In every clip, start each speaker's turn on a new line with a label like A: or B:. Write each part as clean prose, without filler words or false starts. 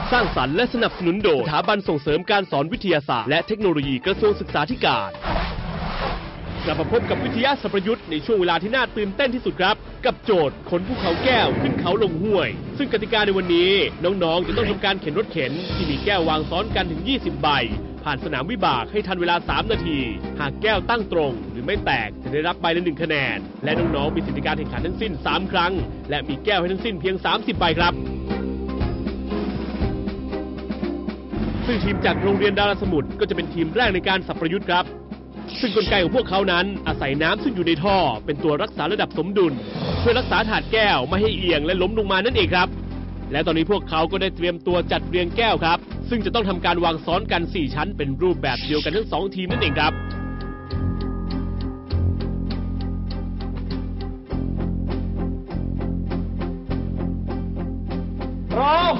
A: สร้างสรรค์และสนับสนุนโดยสถาบันส่งเสริมการสอนวิทยาศาสตร์และเทคโนโลยีกระทรวงศึกษาธิการกลับมาพบกับวิทยาศาสตร์ประยุทธ์ในช่วงเวลาที่น่าตื่นเต้นที่สุดครับกับโจทย์ขนภูเขาแก้วขึ้นเขาลงห้วยซึ่งกติกาในวันนี้น้องๆจะต้องทำการเข็นรถเข็นที่มีแก้ววางซ้อนกันถึง20ใบผ่านสนามวิบากให้ทันเวลา3นาทีหากแก้วตั้งตรงหรือไม่แตกจะได้รับใบละ1คะแนนและน้องๆมีสิทธิการแข่งขันทั้งสิ้น3ครั้งและมีแก้วให้ทั้งสิ้นเพียง30ใบครับซึ่งทีมจากโรงเรียนดาราสมุทรก็จะเป็นทีมแรกในการสับประยุทธ์ครับซึ่งกลไกของพวกเขานั้นอาศัยน้ำซึ่งอยู่ในท่อเป็นตัวรักษาระดับสมดุลเพื่อรักษาถาดแก้วไม่ให้เอียงและล้มลงมานั่นเองครับและตอนนี้พวกเขาก็ได้เตรียมตัวจัดเรียงแก้วครับซึ่งจะต้องทำการวางซ้อนกัน4ชั้นเป็นรูปแบบเดียวกันทั้ง2ทีมนั่นเองครับ
B: พร้อม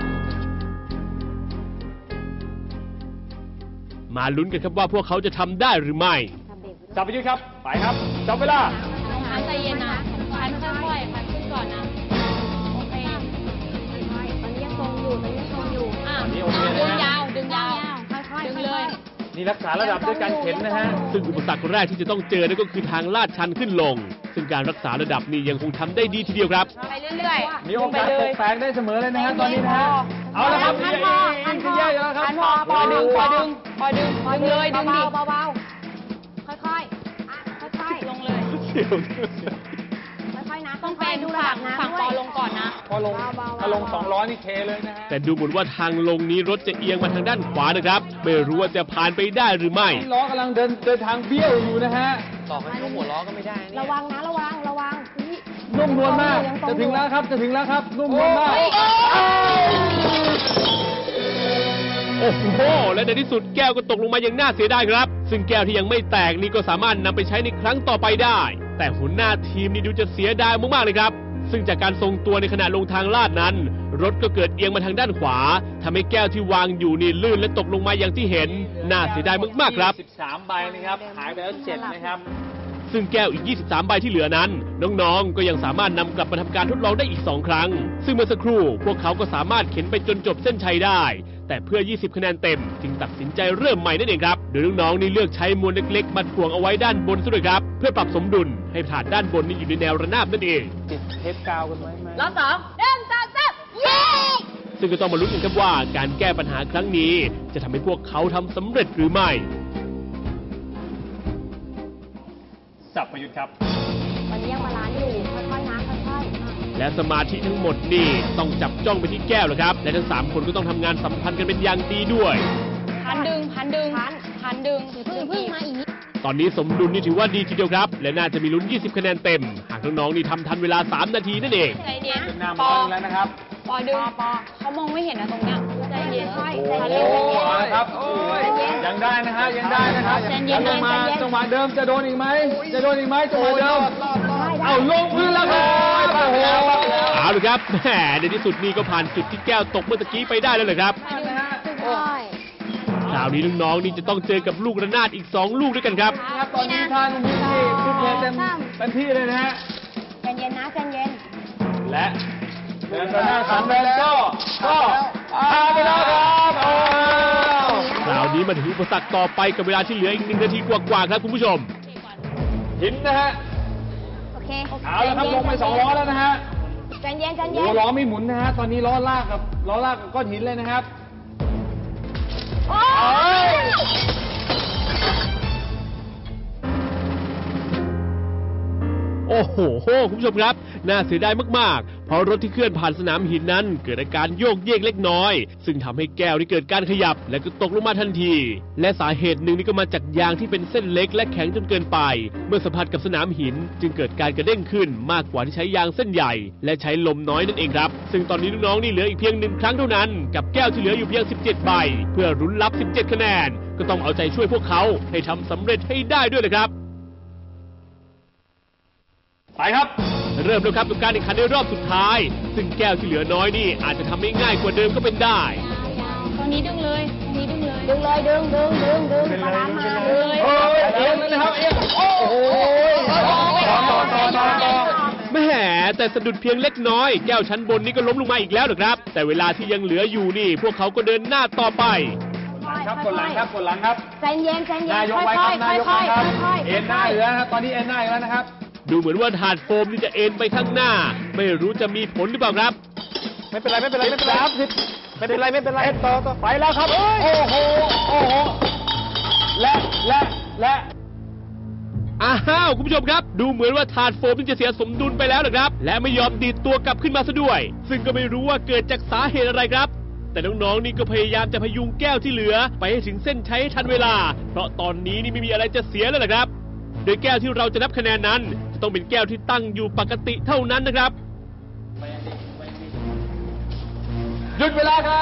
A: มาลุ้นกันครับว่าพวกเขาจะทำได้หรือไม่
B: จับไปยืดครับไปครับจับเวลา
C: พันใจเย็นนะพันค่อยๆพันขึ้นก่อนนะโอเคตอนนี้ยังทรงอยู่ดึงยาวค่อยๆดึงเลย
B: นี่รักษาระดับด้วยการเข็นนะฮะ
A: ซึ่งอุปสรรคแรกที่จะต้องเจอนั่นก็คือทางลาดชันขึ้นลงซึ่งการรักษาระดับนี้ยังคงทำได้ดีทีเดียวครับ
C: ไปเรื่อย
B: ๆมีโอกาสตกแตกได้เสมอเลยนะฮะตอนนี้นะฮะเอาละครับ
C: พันแยกแล้วครับพอดึงเลยดึงดิเบาๆค่อยๆลงเลยค่อยๆนะต้องเป็นฝั่งปอลงก่อนนะ
B: พอลงถ้าลง200นี่เทเลยนะฮะ
A: แต่ดูเหมือนว่าทางลงนี้รถจะเอียงมาทางด้านขวานะครับไม่รู้ว่าจะผ่านไปได้หรือไม่
B: ล้อกำลังเดินทางเบี้ยวอยู่นะฮะ
D: ต่อให้ยกหัวล้อก็ไม่ได้
C: ระวังนะระวัง
B: นุ่มนวลมากจะถึงแล้วครับนุ่มนวลมาก
A: โอ้โหและในที่สุดแก้วก็ตกลงมาอย่างน่าเสียดายครับซึ่งแก้วที่ยังไม่แตกนี่ก็สามารถนำไปใช้ในครั้งต่อไปได้แต่หัวหน้าทีมนี่ดูจะเสียดายมากๆเลยครับซึ่งจากการทรงตัวในขณะลงทางลาดนั้นรถก็เกิดเอียงมาทางด้านขวาทำให้แก้วที่วางอยู่นี่ลื่นและตกลงมาอย่างที่เห็นน่าเสียดายมากๆครับ
B: 13ใบนะครับหายไปแล้ว7นะครับ
A: ซึ่งแก้วอีก23ใบที่เหลือนั้นน้องๆก็ยังสามารถนำกลับมาทำการทดลองได้อีก2ครั้งซึ่งเมื่อสักครู่พวกเขาก็สามารถเข็นไปจนจบเส้นชัยได้แต่เพื่อ20คะแนนเต็มจึงตัดสินใจเริ่มใหม่นั่นเองครับโดยน้องๆนี่เลือกใช้มวลเล็กๆมาถ่วงเอาไว้ด้านบนซะด้วยครับเพื่อปรับสมดุลให้ถาดด้านบนนี่อยู่ในแนวระนาบนั่นเอง
B: ติดเทปกาวกันไว้ไหม
C: รอบ2 1 2 3เย้
A: ซึ่งก็ต้องมาลุ้นกันครับว่าการแก้ปัญหาครั้งนี้จะทำให้พวกเขาทำสำเร็จหรือไม่
B: สับประยุทธ์ครับ
C: วันนี้ยังบาลานซ์อยู่ค่อยๆนะค่อย
A: ๆและสมาธิทั้งหมดนี่ต้องจับจ้องไปที่แก้วเลยครับและทั้ง3คนก็ต้องทำงานสัมพันธ์กันเป็นอย่างดีด้วย
C: พันดึงพึ่งมาอีก
A: ตอนนี้สมดุลนี่ถือว่าดีทีเดียวครับและน่าจะมีลุ้น20คะแนนเต็มหากน้องๆนี่ทำทันเวลา3นาทีนั่นเอง
C: ใจเย็น
B: ปอแล้วนะครับ
C: ปอดึงเขามองไม่เห็นนะตรงเนี้ยใจเย็น
B: ครับยังได้นะฮะยังได้นะครับลงมาจังหวะเดิมจะโดนอีกไหมจังหวะเดิมเอาลงพื้นแล้วครับ
A: เอาเลยครับแหมในที่สุดนี่ก็ผ่านจุดที่แก้วตกเมื่อกี้ไปได้แล้วเลยครับคราวนี้น้องๆนี่จะต้องเจอกับลูกระนาดอีก2ลูกด้วยกันครับ
B: ตอนนี้ท่านพี่ทุกเพลเต็มที่เลยนะฮะ
C: ใจเย็นนะใจเย็น
B: และเดินระนาด3เดินก็ผ่านไปแล้วครับ
A: คราวนี้มาถึงอุปสรรคต่อไปกับเวลาที่เหลืออีก1นาทีกว่าๆครับคุณผู้ชม
B: หินนะฮะ
C: โอเค
B: เอาแล้วครับลงไป2ล้อแล้วนะฮะ
C: ใจเย็น
B: ล้อไม่หมุนนะฮะตอนนี้ล้อลากกับก้อนหินเลยนะครับ
A: โอ้โหคุณผู้ชมครับน่าเสียดายมากๆเพราะรถที่เคลื่อนผ่านสนามหินนั้นเกิดอาการโยกเยกเล็กน้อยซึ่งทำให้แก้วที่เกิดการขยับและก็ตกลงมาทันทีและสาเหตุหนึ่งนี่ก็มาจากยางที่เป็นเส้นเล็กและแข็งจนเกินไปเมื่อสัมผัสกับสนามหินจึงเกิดการกระเด้งขึ้นมากกว่าที่ใช้ยางเส้นใหญ่และใช้ลมน้อยนั่นเองครับซึ่งตอนนี้น้องๆนี่เหลืออีกเพียง1ครั้งเท่านั้นกับแก้วที่เหลืออยู่เพียง17ใบเพื่อรุ้นรับ17คะแนนก็ต้องเอาใจช่วยพวกเขาให้ทำสำเร็จให้ได้ด้วยเลยครับ
B: ไปครับ
A: เริ่มแล้วครับกับการแข่งขันในรอบสุดท้ายซึ่งแก้วที่เหลือน้อยนี่อาจจะทำให้ง่ายกว่าเดิมก็เป็นได้
C: ตอนนี้ดึงเลยดึงปลามาเลย
B: เอียงเลยครับเอียงโอ้โห
A: แหมแต่สะดุดเพียงเล็กน้อยแก้วชั้นบนนี้ก็ล้มลงมาอีกแล้วนะครับแต่เวลาที่ยังเหลืออยู่นี่พวกเขาก็เดินหน้าต่อไป
B: ครับกดหลังครับกดหลังครับ
C: ใจเย็นใจเย็น
B: นายก
C: ค่
B: ไว้ครับ
C: อยๆ
B: นายก
C: ค่
B: ไว้
C: อย
B: ครับ
C: ๆค่อยๆ
B: เอ็นหน้าอยู่แล้วนะครับตอนนี้เอ็นหน้าอยู่แล้วนะครับ
A: ดูเหมือนว่าถาดโฟมนี่จะเอ็นไปข้างหน้า ไม่รู้จะมีผลหรือเปล่าครับ
B: ไม่เป็นไรไม่เป็นไรไม่เป็นไรครับไม่เป็นไรไม่เป็นไรต่อไปแล้วครับโอ้โหโอ้โหและ
A: อ้าวคุณผู้ชมครับ ดูเหมือนว่าถาดโฟมนี่จะเสียสมดุลไปแล้วนะครับ และไม่ยอมดีดตัวกลับขึ้นมาซะด้วย ซึ่งก็ไม่รู้ว่าเกิดจากสาเหตุอะไรครับ แต่น้องๆนี่ก็พยายามจะพยุงแก้วที่เหลือ ไปให้ถึงเส้นชัยให้ทันเวลา เพราะตอนนี้นี่ไม่มีอะไรจะเสียแล้วนะครับ โดยแก้วที่เราจะนับคะแนนนั้นจะต้องเป็นแก้วที่ตั้งอยู่ปกติเท่านั้นนะครับ
B: หยุดเวลาครับ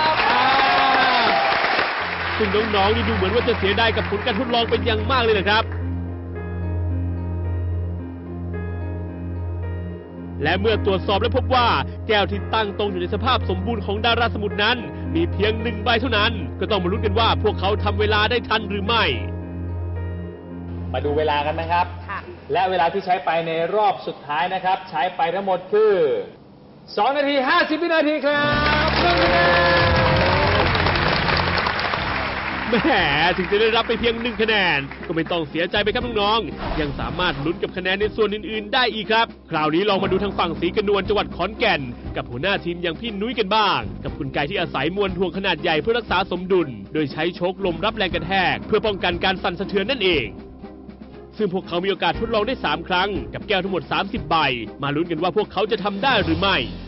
A: ซึ่งน้องๆนี่ดูเหมือนว่าจะเสียดายกับผลการทดลองเป็นอย่างมากเลยนะครับ และเมื่อตรวจสอบและพบว่าแก้วที่ตั้งตรงอยู่ในสภาพสมบูรณ์ของดาราสมุทรนั้น มีเพียง1 ใบเท่านั้น ก็ต้องมาลุ้นกันว่าพวกเขาทำเวลาได้ทันหรือไม่
B: มาดูเวลากันนะครับ
C: ค่ะ
B: และเวลาที่ใช้ไปในรอบสุดท้ายนะครับ ใช้ไปทั้งหมดคือ2 นาที 50 วินาทีครับ1 คะแนน
A: แหมถึงจะได้รับไปเพียง1 คะแนน ก็ไม่ต้องเสียใจไปครับน้องๆยังสามารถลุ้นกับคะแนนในส่วนอื่นๆ ได้อีกครับ คราวนี้ลองมาดูทางฝั่งศรีกระนวลจังหวัดขอนแก่น กับหัวหน้าทีมอย่างพี่นุ้ยกันบ้าง กับคุณไก่ที่อาศัยมวลถ่วงขนาดใหญ่เพื่อรักษาสมดุล โดยใช้โชคลมรับแรงกระแทก เพื่อป้องกันการสั่นสะเทือนนั่นเอง ซึ่งพวกเขามีโอกาสทดลองได้3 ครั้งกับแก้วทั้งหมด30 ใบ มาลุ้นกันว่าพวกเขาจะทำได้หรือไม่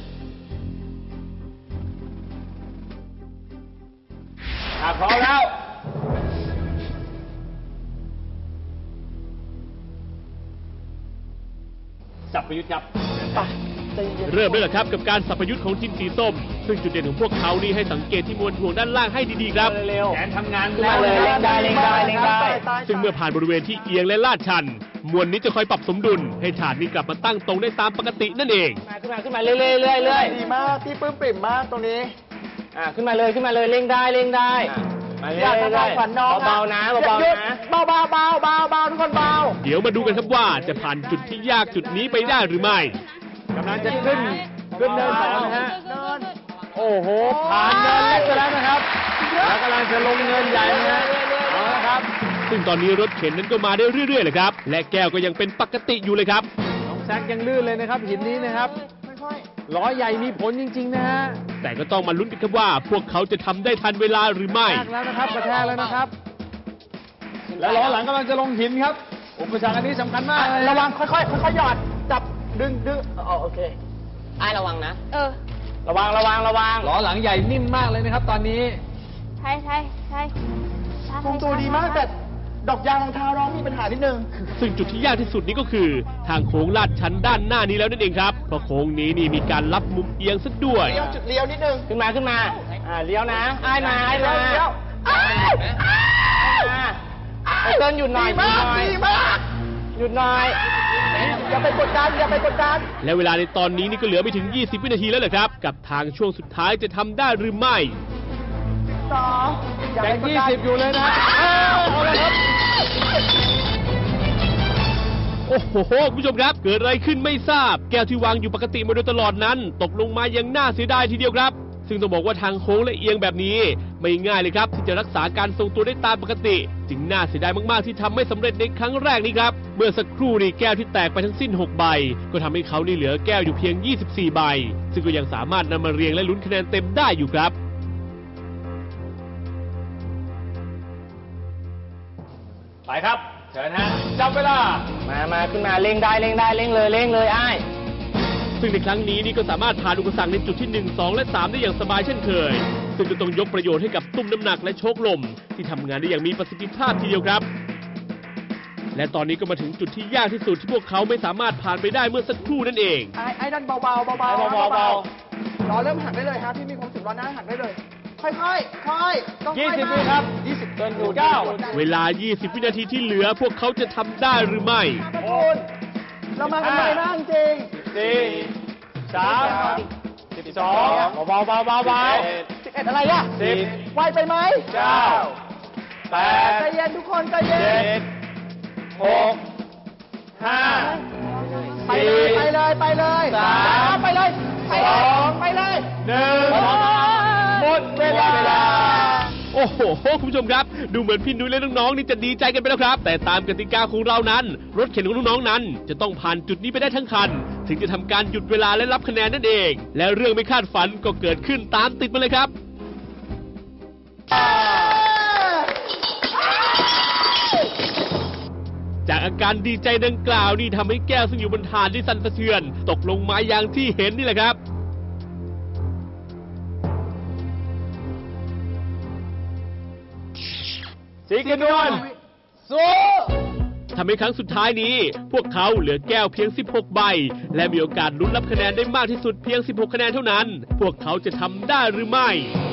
B: พร้อมแล้ว สับประยุทธ์ครับ
A: เริ่มได้แล้วครับกับการสัพยุทธ์ของทีมสีส้ม ซึ่งจุดเด่นของพวกเขานี่ให้สังเกตที่มวลถ่วงด้านล่างให้ดีๆครับ
B: แขนทำงานแล้วเลยเล่นได้เล่นได้เล่นได้
A: ซึ่งเมื่อผ่านบริเวณที่เอียงและลาดชัน มวลนี้จะคอยปรับสมดุล ให้ถาดนี้กลับมาตั้งตรงได้ตามปกตินั่นเอง
B: ขึ้นมาเรื่อยๆ
D: ดีมากพี่ปลื้มปริ่มมากตรงนี้
B: ขึ้นมาเลยเร่งได้มา
D: อยากจะทำขวัญน้อง
B: เบาๆนะ
D: หยุ
B: เบา
D: ด
B: ๆนะ
D: เบาทุกคนเบา
A: เดี๋ยวมาดูกันครับว่าจะผ่านจุดที่ยากจุดนี้ไปได้หรือไม่
B: กำลังจะขึ้นเนิน2นะฮะโอ้โหผ่านเนินเล็กไปแล้วนะครับแล้วกำลังจะลงเนินใหญ่นะฮะเอาละครับ
A: ซึ่งตอนนี้รถเข็นนั้นก็มาได้เรื่อยๆเลยครับ และแก้วก็ยังเป็นปกติอยู่เลยครับ
B: น้องแซกยังลื่นเลยนะครับหินนี้นะครับล้อใหญ่มีผลจริงๆนะฮะ
A: แต่ก็ต้องมาลุ้นกันครับว่าพวกเขาจะทำได้ทันเวลาหรือไม่
B: กระแทกแล้วนะครับ แล้วล้อหลังกำลังจะลงหินครับอุปสรรคอันนี้สำคัญมากเลย
D: ระวังค่อยๆหยอดจับดึงโอเค
B: ระวังนะ
C: ระวัง
B: ล้อหลังใหญ่นิ่มมากเลยนะครับตอนนี้
C: ใช่
D: ทรงตัวดีมากแต่ดอกยางรองเท้าน้องมีปัญหานิดนึง
A: ซึ่งจุดที่ยากที่สุดนี้ก็คือ ทางโค้งลาดชันด้านหน้านี้แล้วนั่นเองครับ เพราะโค้งนี้นี่มีการรับมุมเอียงซะด้วย
D: จุดเลี้ยวนิดนึง
B: ขึ้นมาเลี้ยวนะอ้ายมาเลี้ยวเติ้ลหยุดหน่อย
D: ดีมาก
B: หยุดหน่อย
D: อย่าไปกดดัน
A: และเวลาในตอนนี้นี่ก็เหลือไม่ถึง 20 วินาทีแล้วแหละครับ กับทางช่วงสุดท้ายจะทำได้หรือไม่
D: 2อย่า
B: แบ
D: ไป
B: ง
D: กดดัน
B: 20อยู่เลยนะเอาเลยครับ
A: โอ้โหคุณผู้ชมครับ เกิดอะไรขึ้นไม่ทราบ แก้วที่วางอยู่ปกติมาโดยตลอดนั้น ตกลงมายังน่าเสียดายทีเดียวครับ ซึ่งต้องบอกว่าทางโค้งและเอียงแบบนี้ ไม่ง่ายเลยครับที่จะรักษาการทรงตัวได้ตามปกติ จึงน่าเสียดายมากๆที่ทำไม่สำเร็จในครั้งแรกนี้ครับ เมื่อสักครู่นี้แก้วที่แตกไปทั้งสิ้น 6 ใบ ก็ทำให้เขานี่เหลือแก้วอยู่เพียง 24 ใบ ซึ่งก็ยังสามารถนำมาเรียงและลุ้นคะแนนเต็มได้อยู่ครับ
B: ไปครับเชิญฮะจับเวลามาขึ้นมาเร่งเลยอ้าย
A: ซึ่งในครั้งนี้นี่ก็สามารถผ่านอุปสรรคในจุดที่ 1, 2 และ 3 ได้อย่างสบายเช่นเคย ซึ่งก็ต้องยกประโยชน์ให้กับตุ้มน้ำหนักและโชคลมที่ทำงานได้อย่างมีประสิทธิภาพทีเดียวครับ และตอนนี้ก็มาถึงจุดที่ยากที่สุดที่พวกเขาไม่สามารถผ่านไปได้เมื่อสักครู่นั่นเอง
D: ไอ้ดันเบาล้อเริ่มหักได้เลยฮะพี่มีความรู้สึกล้อหน้าหักได้เลย ค่อยต้อง
B: 20 วิครับ20เกินอยู่9
A: เวลา 20 วินาทีที่เหลือพวกเขาจะทำได้หรือไม่
D: เรามากันเลยนะจริง
B: 4 3 12เบา
D: 11อะไรอ่ะ
B: 10
D: ไวไปไหม
B: 9
D: ใจ
B: 8
D: เย็นทุกคนใจเย็น
B: 7 6 5
D: ไปเลยไปเลย
B: 3
D: ไปเลยไปเลย
B: 1 หมดเวลา
A: โอ้โห คุณผู้ชมครับ ดูเหมือนพี่นุ้ยและน้องๆนี่จะดีใจกันไปแล้วครับ แต่ตามกติกาของเรานั้น รถเข็นของน้องๆนั้น จะต้องผ่านจุดนี้ไปได้ทั้งคัน ถึงจะทำการหยุดเวลาและรับคะแนนนั่นเอง และเรื่องไม่คาดฝันก็เกิดขึ้นตามติดมาเลยครับ จากอาการดีใจดังกล่าวนี่ทำให้แก้วซึ่งอยู่บนฐานที่สั่นสะเทือน ตกลงมาอย่างที่เห็นนี่แหละครับ
B: สีกระนวลสู้
A: ทำให้ครั้งสุดท้ายนี้ พวกเขาเหลือแก้วเพียง 16 ใบ และมีโอกาสลุ้นรับคะแนนได้มากที่สุดเพียง 16 คะแนนเท่านั้น พวกเขาจะทำได้หรือไม่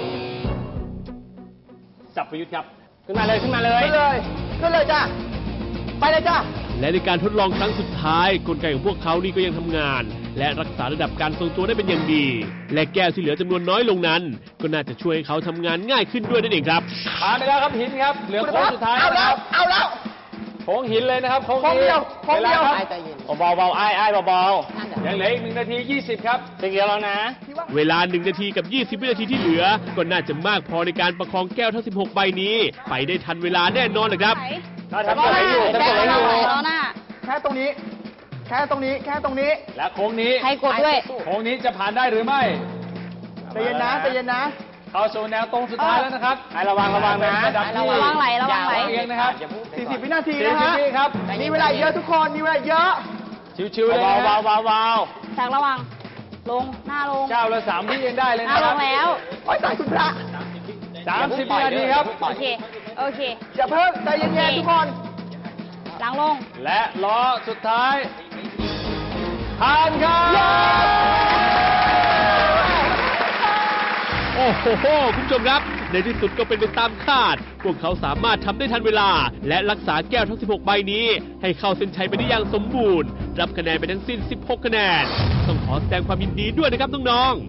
B: จับประยุทธ์ครับ ขึ้นมาเลย
D: ขึ้นเลยจ้ะไปเลยจ้ะ
A: และในการทดลองครั้งสุดท้าย กลไกของพวกเขานี่ก็ยังทำงาน และรักษาระดับการทรงตัวได้เป็นอย่างดี และแก้วที่เหลือจำนวนน้อยลงนั้น ก็น่าจะช่วยให้เขาทำงานง่ายขึ้นด้วยนั่นเองครับ
B: ผ่านไปแล้วครับหินครับ เหลือโค้งสุดท้ายนะครับ
D: เอาแล้ว
B: โค้งหินเลยนะครับ โค้ง
D: โค้งเดียว
B: เบาๆไอ้เบาๆยังเหลืออีก1 นาที 20 ครับถึงแล้วนะ
A: เวลา 1 นาทีกับ 20 วินาทีที่เหลือ ก็น่าจะมากพอในการประคองแก้วทั้ง 16 ใบนี้ ไปได้ทันเวลาแน่นอนเลยครับ
B: ถ้าทำอะไรอยู่
D: แค่ตรงนี้
B: และโค้งนี้
C: ให้กดด้วย
B: โค้งนี้จะผ่านได้หรือไม่
D: ใจเย็นนะ
B: เข้าสู่แนวตรงสุดท้ายแล้วนะครับให้ระวังนะ
C: ระวังไหล
B: เองนะครับ
D: 40 วินาทีนะ
B: 40
D: ฮะ
B: วิครับ
D: มีเวลาเยอะทุกคน มีเวลาเยอะ
B: ชิวๆเลยนะเบา
C: จากระวัง ลง หน้าลง
B: ๆ9 และ 3 วิยังได้เลย
C: หน้า
B: นะค
C: ล
B: รับ
C: งแล้ว
D: โอ้ยตายคุณพระ
B: 30 วินาทีครับ
C: โอเค
D: อย่าเพิ่งใจเย็นๆทุกคน
C: หลังลง
B: และล้อสุดท้ายผ่านครับ
A: โอ้โห คุณผู้ชมครับ ในที่สุดก็เป็นไปตามคาด พวกเขาสามารถทำได้ทันเวลา และรักษาแก้วทั้ง 16 ใบนี้ ให้เข้าเส้นชัยไปได้อย่างสมบูรณ์ รับคะแนนไปทั้งสิ้น 16 คะแนน ต้องขอแสดงความยินดีด้วยนะครับน้อง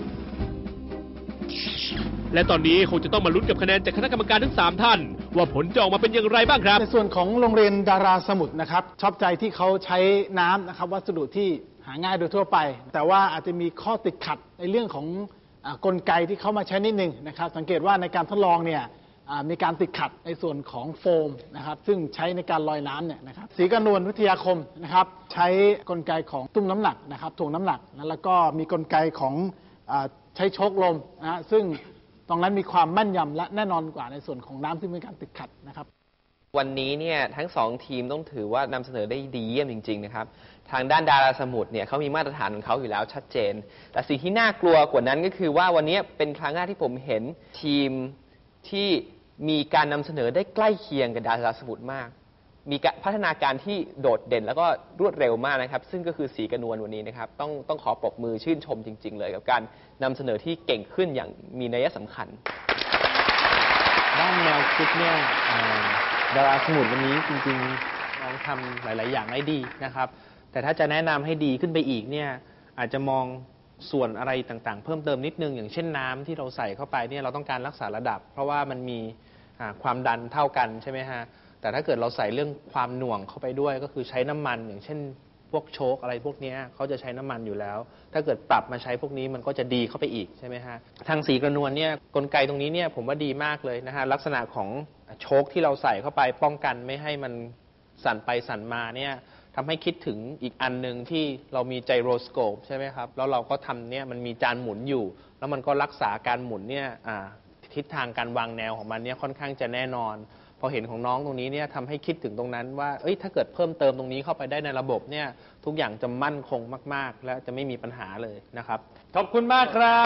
A: ๆ และตอนนี้คงจะต้องมาลุ้นกับคะแนนจากคณะกรรมการทั้ง 3 ท่าน ว่าผลจะออกมาเป็นอย่างไรบ้างครับ
E: ในส่วนของโรงเรียนดาราสมุทรนะครับชอบใจที่เขาใช้น้ำนะครับวัสดุที่หาง่ายโดยทั่วไป แต่ว่าอาจจะมีข้อติดขัดในเรื่องของกลไกที่เขามาใช้นิดนึงนะครับสังเกตว่าในการทดลองเนี่ยมีการติดขัดในส่วนของโฟมนะครับซึ่งใช้ในการลอยน้ำเนี่ยนะครับศรีกระนวลวิทยาคมนะครับใช้กลไกของตุ้มน้ำหนักนะครับถ่วงน้ำหนักนะแล้วก็มีกลไกของใช้โชคลมนะฮะซึ่งตรงนั้นมีความแม่นยำและแน่นอนกว่าในส่วนของน้ำที่มีการติดขัดนะครับ
F: วันนี้เนี่ยทั้ง2 ทีมต้องถือว่านำเสนอได้ดีเยี่ยมจริงๆนะครับทางด้านดาราสมุทรเนี่ยเขามีมาตรฐานของเขาอยู่แล้วชัดเจน แต่สิ่งที่น่ากลัวกว่านั้นก็คือว่าวันนี้เป็นครั้งแรกที่ผมเห็นทีมที่มีการนำเสนอได้ใกล้เคียงกับดาราสมุทรมาก มีพัฒนาการที่โดดเด่นแล้วก็รวดเร็วมากนะครับซึ่งก็คือสีกระนวลวันนี้นะครับต้องขอปรบมือชื่นชมจริงๆเลยกับการนำเสนอที่เก่งขึ้นอย่างมีนัยสำคัญ
G: ด้านแนวคิดเนี่ยดาราสมุทรวันนี้จริงๆน้องทำหลายๆอย่างได้ดีนะครับแต่ถ้าจะแนะนำให้ดีขึ้นไปอีกเนี่ยอาจจะมองส่วนอะไรต่างๆเพิ่มเติมนิดนึงอย่างเช่นน้ำที่เราใส่เข้าไปเนี่ยเราต้องการรักษาระดับ เพราะว่ามันมีความดันเท่ากันใช่ไหมฮะแต่ถ้าเกิดเราใส่เรื่องความหน่วงเข้าไปด้วยก็คือใช้น้ำมันอย่างเช่นพวกโชคอะไรพวกนี้เขาจะใช้น้ำมันอยู่แล้วถ้าเกิดปรับมาใช้พวกนี้มันก็จะดีเข้าไปอีกใช่ไหมฮะทางสีกระนวลเนี่ยกลไกตรงนี้เนี่ยผมว่าดีมากเลยนะฮะลักษณะของโชคที่เราใส่เข้าไปป้องกันไม่ให้มันสั่นไปสั่นมาเนี่ยทำให้คิดถึงอีกอันหนึ่งที่เรามีไจโรสโคปใช่ไหมครับแล้วเราก็ทำเนี่ยมันมีจานหมุนอยู่แล้วมันก็รักษาการหมุนเนี่ยทิศทางการวางแนวของมันเนี่ยค่อนข้างจะแน่นอนพอเห็นของน้องตรงนี้เนี่ยทำให้คิดถึงตรงนั้นว่าถ้าเกิดเพิ่มเติมตรงนี้เข้าไปได้ในระบบเนี่ยทุกอย่างจะมั่นคงมากๆและจะไม่มีปัญหาเลยนะครับ
B: ขอบคุณมากครับ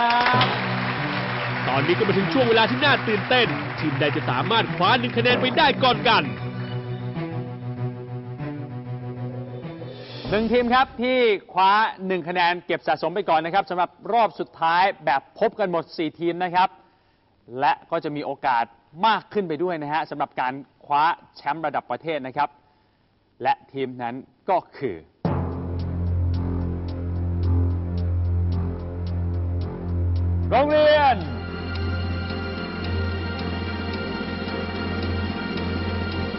A: ตอนนี้ก็มาถึงช่วงเวลาที่น่าตื่นเต้น ทีมใดจะสามารถคว้า1 คะแนนไปได้ก่อนกัน
B: 1 ทีมครับที่คว้า1 คะแนนเก็บสะสมไปก่อนนะครับสำหรับรอบสุดท้ายแบบพบกันหมด4 ทีมนะครับและก็จะมีโอกาสมากขึ้นไปด้วยนะฮะสำหรับการคว้าแชมป์ระดับประเทศนะครับและทีมนั้นก็คือโรงเรียน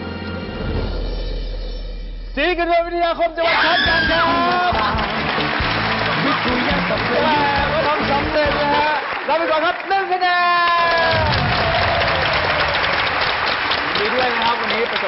B: ศรีกระนวลวิทยาคมจังหวัดขอนแก่นครับ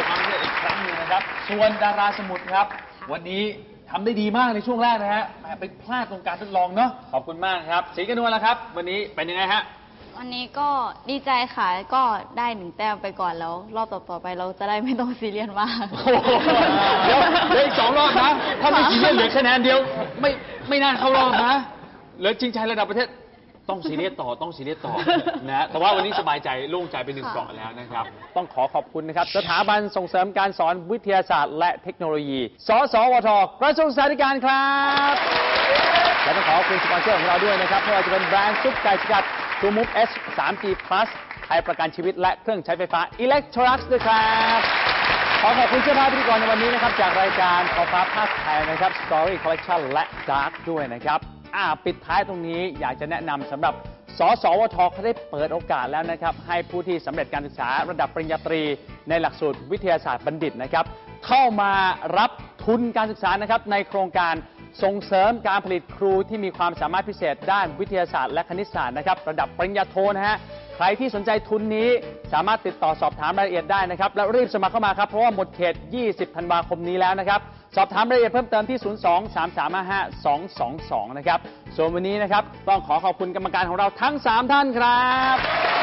B: บความสำเร็จอีกครั้งหนึงนะครับ ส่วนดาราสมุทรครับ วันนี้ทำได้ดีมากในช่วงแรกนะฮะแหมไปพลาดตรงการทดลองเนาะขอบคุณมากครับศรีกนวลแล้วครับ วันนี้เป็นยังไงฮะ
H: วันนี้ก็ดีใจค่ะ ก็ได้1 แต้มไปก่อนแล้ว รอบต่อๆไปเราจะได้ไม่ต้องซีเรียสมาก
B: โอ้โหเดี๋ยวเหลืออีก2 รอบนะ ถ้าไม่ซีเรียสเหลือคะแนนเดียว ไม่น่าเข้ารอบนะเหลือชิงชัยระดับประเทศต้องซีเรียสต่อต้องซีเรียสต่อนะแต่ว่าวันนี้สบายใจโล่งใจไป1 เกราะแล้วนะครับ ต้องขอบคุณนะครับ สถาบันส่งเสริมการสอนวิทยาศาสตร์และเทคโนโลยี สสวท กระทรวงศึกษาธิการครับและต้องขอบคุณสปอนเซอร์ของเราด้วยนะครับไม่ว่าจะเป็นแบรนด์ซุปไก่สกัด True Move S 3G Plus ไทยประกันชีวิตและเครื่องใช้ไฟฟ้า Electrolux ด้วยครับขอบคุณเสื้อผ้าพิธีกรในวันนี้นะครับจากรายการขอบฟ้าภาคไทยนะครับ Story Collection และ Dark ด้วยนะครับปิดท้ายตรงนี้อยากจะแนะนำสำหรับสสวทเขาได้เปิดโอกาสแล้วนะครับให้ผู้ที่สำเร็จการศึกษาระดับปริญญาตรีในหลักสูตรวิทยาศาสตร์บัณฑิตนะครับเข้ามารับทุนการศึกษานะครับในโครงการส่งเสริมการผลิตครูที่มีความสามารถพิเศษด้านวิทยาศาสตร์และคณิตศาสตร์นะครับระดับปริญญาโทนะฮะใครที่สนใจทุนนี้สามารถติดต่อสอบถามรายละเอียดได้นะครับแล้วรีบสมัครเข้ามาครับเพราะว่าหมดเขต 20 ธันวาคมนี้แล้วนะครับสอบถามรายละเอียดเพิ่มเติมที่ 02-3355-222 นะครับส่วนวันนี้นะครับต้องขอบคุณกรรมการของเราทั้ง 3 ท่านครับ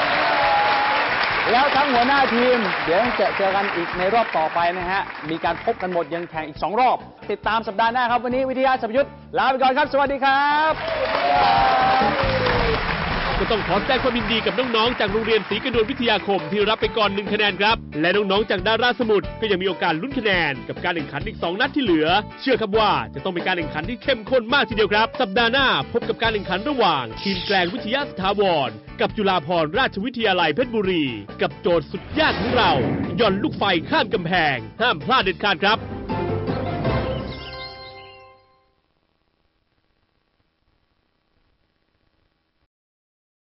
B: แล้วทั้งหัวหน้าทีมเดี๋ยวเจอกันอีกในรอบต่อไปนะฮะมีการพบกันหมดยังแข่งอีก2 รอบติดตามสัปดาห์หน้าครับวันนี้วิทยาสัพยุทธลาไปก่อนครับสวัสดีครับ
A: ก็ต้องขอแสดงความยินดีกับน้องๆจากโรงเรียนศรีกนวลวิทยาคมที่รับไปก่อน1 คะแนนครับและน้องๆจากดาราสมุทรก็ยังมีโอกาสลุ้นคะแนนกับการแข่งขันอีก2 นัดที่เหลือเชื่อครับว่าจะต้องเป็นการแข่งขันที่เข้มข้นมากทีเดียวครับสัปดาห์หน้าพบกับการแข่งขันระหว่างทีมแกลงวิทยาสถาวรกับจุฬาภรณราชวิทยาลัยเพชรบุรีกับโจทย์สุดยากของเราย่อนลูกไฟข้ามกำแพงห้ามพลาดเด็ดขาดครับ